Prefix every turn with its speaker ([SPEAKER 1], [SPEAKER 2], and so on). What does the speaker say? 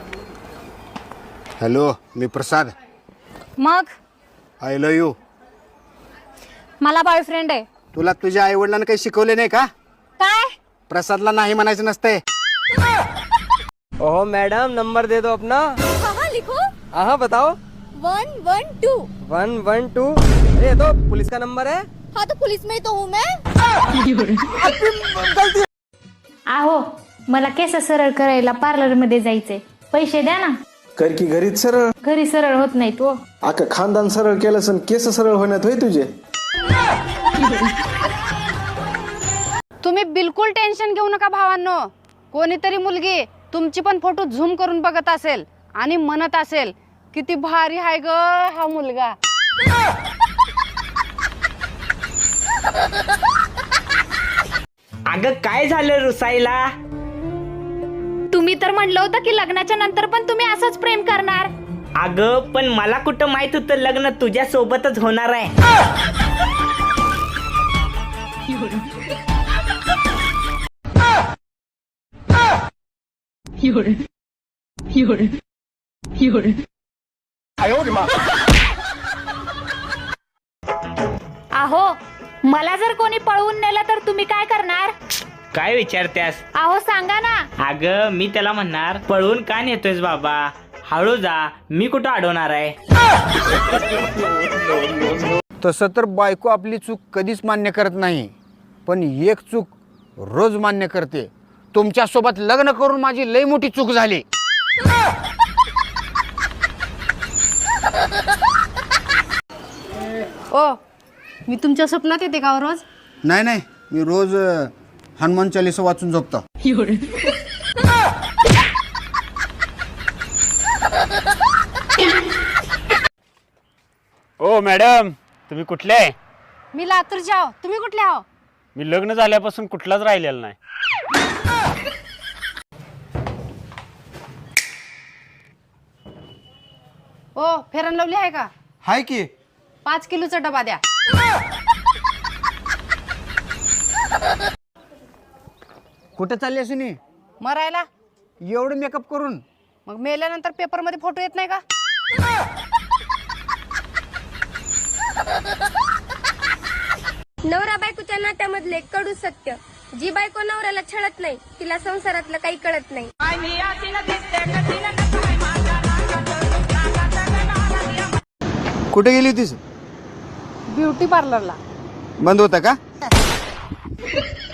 [SPEAKER 1] Hello, मी प्रसाद.
[SPEAKER 2] मग
[SPEAKER 1] I love you.
[SPEAKER 2] मला बॉयफ्रेंड आहे.
[SPEAKER 1] तुला तुझ्या आई वडिलांना काही शिकवले नाही का?
[SPEAKER 2] काय?
[SPEAKER 1] प्रसादला नाही म्हणायचं नसतंय.
[SPEAKER 3] ओहो मैडम, नंबर दे दो अपना.
[SPEAKER 2] हाँ लिखो.
[SPEAKER 3] हाँ बताओ.
[SPEAKER 2] 112.
[SPEAKER 3] 112. अरे ये तो पुलिस का नंबर है.
[SPEAKER 2] हाँ तो पुलिस में ही तो हूँ मैं.
[SPEAKER 4] आहो, मला केस सरळ करायला पार्लर मध्ये जायचंय. पैसे द्या ना.
[SPEAKER 5] कर की घरीच सरळ.
[SPEAKER 4] घरी सरळ होत नाही तो.
[SPEAKER 5] आका खानदान सरळ केलं सण केस सरळ होण्यात होय तुझे.
[SPEAKER 6] तुम्ही बिलकुल टेन्शन घेऊ नका भावांनो. कोणीतरी मुलगी तुमची पण फोटो झूम करून बघत असेल आणि म्हणत असेल किती भारी आहे ग हा मुलगा.
[SPEAKER 7] अगं काय झालं रुसाईला?
[SPEAKER 4] तुम्ही तर म्हणलं होतं की लग्नाच्या नंतर पण तुम्ही असंच प्रेम करणार.
[SPEAKER 7] अगं पण मला कुठं माहित होतं लग्न तुझ्या सोबतच होणार आहे.
[SPEAKER 4] आहो, मला जर कोणी पळवून नेलं तर तुम्ही काय करणार?
[SPEAKER 7] काय विचारत्यास?
[SPEAKER 4] आहो सांगा ना.
[SPEAKER 7] अगं मी त्याला म्हणणार पळवून का नेतोयस बाबा, हळू जा, मी कुठं अडवणार आहे.
[SPEAKER 1] तसं तर बायको आपली चूक कधीच मान्य करत नाही, पण एक चूक रोज मान्य करते. तुमच्यासोबत लग्न करून माझी लई मोठी चूक झाली.
[SPEAKER 6] ओ, मी तुमच्या स्वप्नात येते का रोज?
[SPEAKER 1] नाही नाही, मी रोज हनुमान चालीसा वाचून झोपतो.
[SPEAKER 8] ओ मॅडम, तुम्ही कुठले आहे?
[SPEAKER 6] मी लातूरचे आहो. तुम्ही कुठले आहो?
[SPEAKER 8] मी लग्न झाल्यापासून कुठलाच राहिलेला नाही.
[SPEAKER 6] ओ, फेरन लवली आहे का?
[SPEAKER 1] हाय की.
[SPEAKER 6] 5 किलोचा डबा द्या.
[SPEAKER 1] कुठं चालली सुनी?
[SPEAKER 6] मरायला.
[SPEAKER 1] एवढं मेकअप करून?
[SPEAKER 6] मग मेल्यानंतर पेपर मध्ये फोटो येत नाही का?
[SPEAKER 9] नवरा बायकोच्या नात्यामधले कडू सत्य. जी बायको नवऱ्याला छळत नाही तिला संसारातलं काही कळत नाही.
[SPEAKER 1] कुठे गेली होतीस?
[SPEAKER 6] ब्युटी पार्लरला.
[SPEAKER 1] बंद होता का?